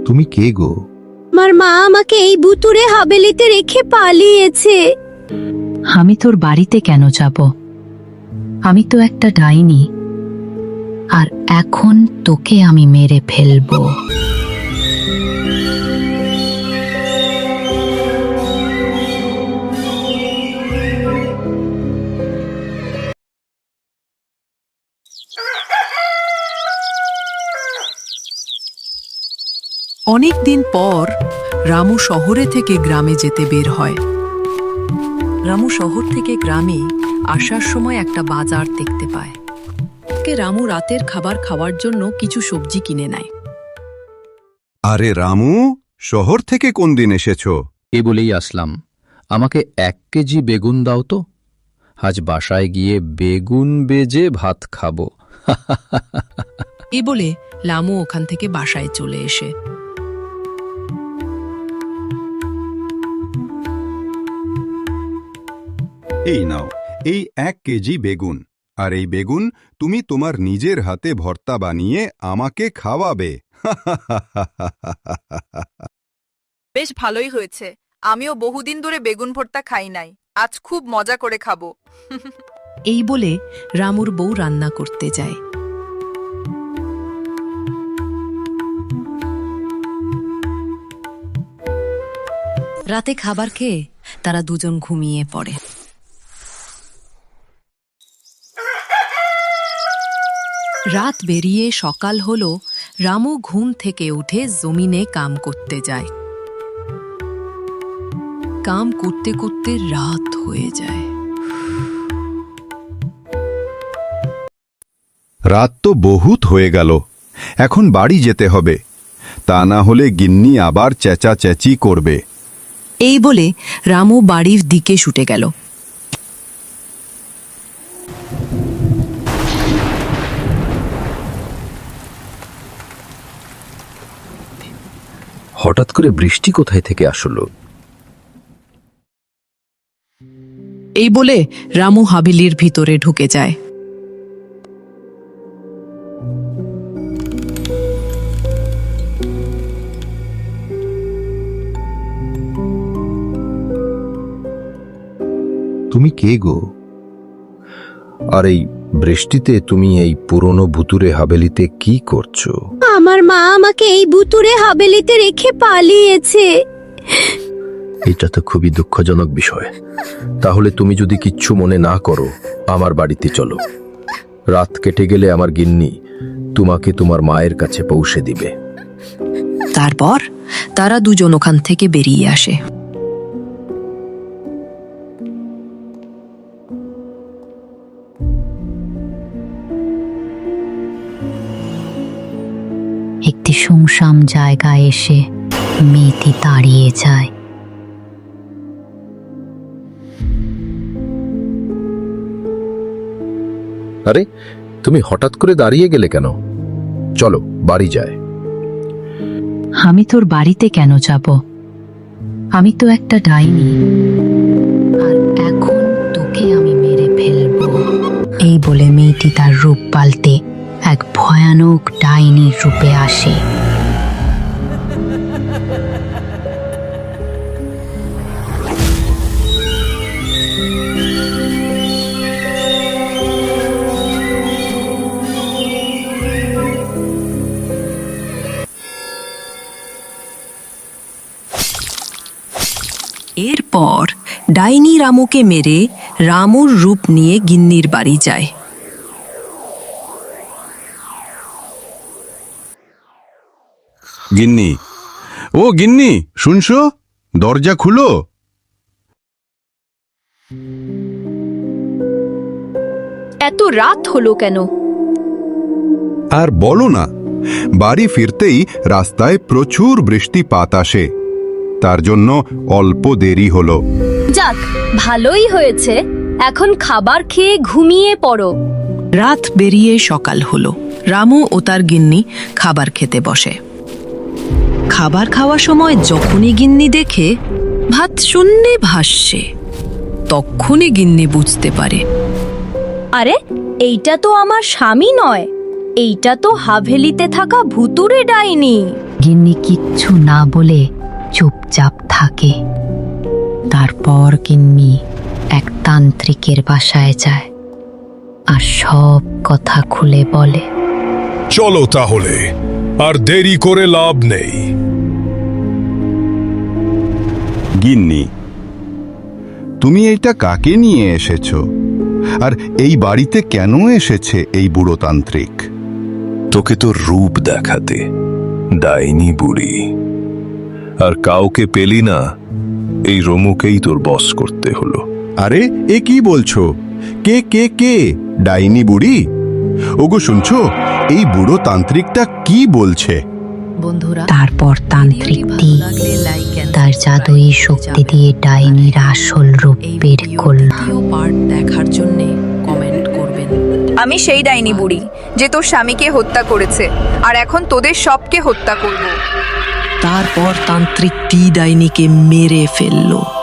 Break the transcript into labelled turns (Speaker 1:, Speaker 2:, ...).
Speaker 1: তুমি কে গো?
Speaker 2: আমার মা আমাকে এই ভুতুড়ে হাভেলিতে রেখে পালিয়েছে।
Speaker 3: আমি তোর বাড়িতে কেন যাব? আমি তো একটা ডাইনি, আর এখন তোকে আমি মেরে ফেলবো।
Speaker 4: অনেক দিন পর রামু শহরে থেকে গ্রামে যেতে বের হয়। রামু শহর থেকে গ্রামে আসার সময় একটা বাজার দেখতে পায়। রামু রাতের খাবার খাওয়ার জন্য কিছু সবজি কিনে নেয়।
Speaker 1: আরে রামু, শহর থেকে কোন দিন এসেছো?
Speaker 5: এ বলেই আসলাম। আমাকে 1 কেজি বেগুন দাও তো, আজ বাসায় গিয়ে বেগুন বেজে ভাত খাবো।
Speaker 4: এ বলে রামু ওখান থেকে বাসায় চলে এসে
Speaker 1: এই নাও, এই 1 কেজি বেগুন। আর এই বেগুন তুমি তোমার নিজের হাতে ভর্তা বানিয়ে আমাকে খাওয়াবে।
Speaker 6: বেশ ভালোই হয়েছে। আমিও বহুদিন ধরে বেগুন ভর্তা খাই নাই, আজ খুব মজা করে খাবো।
Speaker 4: এই বলে রামুর বউ রান্না করতে যায়। রাতে খাবার খেয়ে তারা দুজন ঘুমিয়ে পড়ে। রাত বেরিয়ে সকাল হলো। রামু ঘুম থেকে উঠে জমিনে কাম করতে যায়। কাম করতে করতে রাত হয়ে যায়।
Speaker 1: রাত তো বহুত হয়ে গেল, এখন বাড়ি যেতে হবে, তা না হলে গিন্নি আবার চেঁচাচেঁচি করবে।
Speaker 4: এই বলে রামু বাড়ির দিকে ছুটে গেল।
Speaker 5: হঠাৎ করে বৃষ্টি কোথায় থেকে আসলো?
Speaker 4: এই বলে রামু হাভেলির ভিতরে ঢুকে যায়।
Speaker 1: তুমি কে গো?
Speaker 5: আর এই বৃষ্টিতে তুমি এই পুরনো ভুতুরে হাভেলিতে কি করছো?
Speaker 2: আমার মা আমাকে এই ভুতুড়ে হাভেলিতে রেখে পালিয়েছে।
Speaker 5: এটা তো খুবই দুঃখজনক বিষয়। তাহলে তুমি যদি কিচ্ছু মনে না করো, আমার বাড়িতে চলো। রাত কেটে গেলে আমার গিন্নি তোমাকে তোমার মায়ের কাছে পৌঁছে দিবে।
Speaker 4: তারপর তারা দুজন ওখান থেকে বেরিয়ে আসে।
Speaker 3: একটি শুনশান জায়গায় এসে মেয়েটি দাঁড়িয়ে যায়।
Speaker 5: আরে, তুমি হঠাৎ করে দাঁড়িয়ে গেলে কেন? চলো বাড়ি যায়।
Speaker 3: আমি তোর বাড়িতে কেন যাব? আমি তো একটা ডাইনি, আর এখন তোকে আমি মেরে ফেলবো। এই বলে মেয়েটি তার রূপ পাল্টে এক ভয়ানক ডাইনির রূপে আসে।
Speaker 4: এরপর ডাইনি রামুকে মেরে রামুর রূপ নিয়ে গিন্নির বাড়ি যায়।
Speaker 1: গিন্নি, ও গিন্নি, শুনছো? দরজা খুলো।
Speaker 2: এত রাত হলো কেন?
Speaker 1: আর বলো না, বাড়ি ফিরতেই রাস্তায় প্রচুর বৃষ্টিপাত আসে, তার জন্য অল্প দেরি হলো।
Speaker 2: যাক, ভালোই হয়েছে, এখন খাবার খেয়ে ঘুমিয়ে পড়ো।
Speaker 4: রাত বেরিয়ে সকাল হলো। রামু ও তার গিন্নি খাবার খেতে বসে। খাবার খাওয়ার সময় যখনই গিন্নি দেখে ভাত শূন্যে ভাসছে, তখনই গিন্নি বুঝতে পারে,
Speaker 2: আরে, এইটা তো আমার স্বামী নয়, এইটা তো হাভেলিতে থাকা ভুতুড়ে ডাইনি।
Speaker 3: গিন্নি কিচ্ছু না বলে চুপচাপ থাকে। তারপর গিন্নি এক তান্ত্রিকের বাসায় যায় আর সব কথা খুলে বলে।
Speaker 7: চলো তাহলে, আর দেরি করে লাভ নেই।
Speaker 1: গিন্নি, তুমি এটা কাকে নিয়ে এসেছো? আর এই বাড়িতে কেন এসেছে এই বুড়ো তান্ত্রিক?
Speaker 7: তোকে তোর রূপ দেখাতে, ডাইনি বুড়ি। আর কাউকে পেলি না, এই রমুকেই তোর বস করতে হলো।
Speaker 1: আরে এ কি বলছো? কে কে কে? ডাইনি বুড়ি? ওগো শুনছো, এই বুড়ো তান্ত্রিকটা কি বলছে?
Speaker 4: বন্ধুরা,
Speaker 3: তারপর তান্ত্রিকটি তার জাদুই শক্তি দিয়ে ডাইনির আসল রূপ বের করল।
Speaker 4: পার্ট দেখার জন্য কমেন্ট করবেন।
Speaker 6: আমি সেই ডাইনি বুড়ি যে তোর স্বামীকে হত্যা করেছে, আর এখন তোদের সবকে হত্যা করব।
Speaker 4: তারপর তান্ত্রিকটি ডাইনিকে মেরে ফেললো।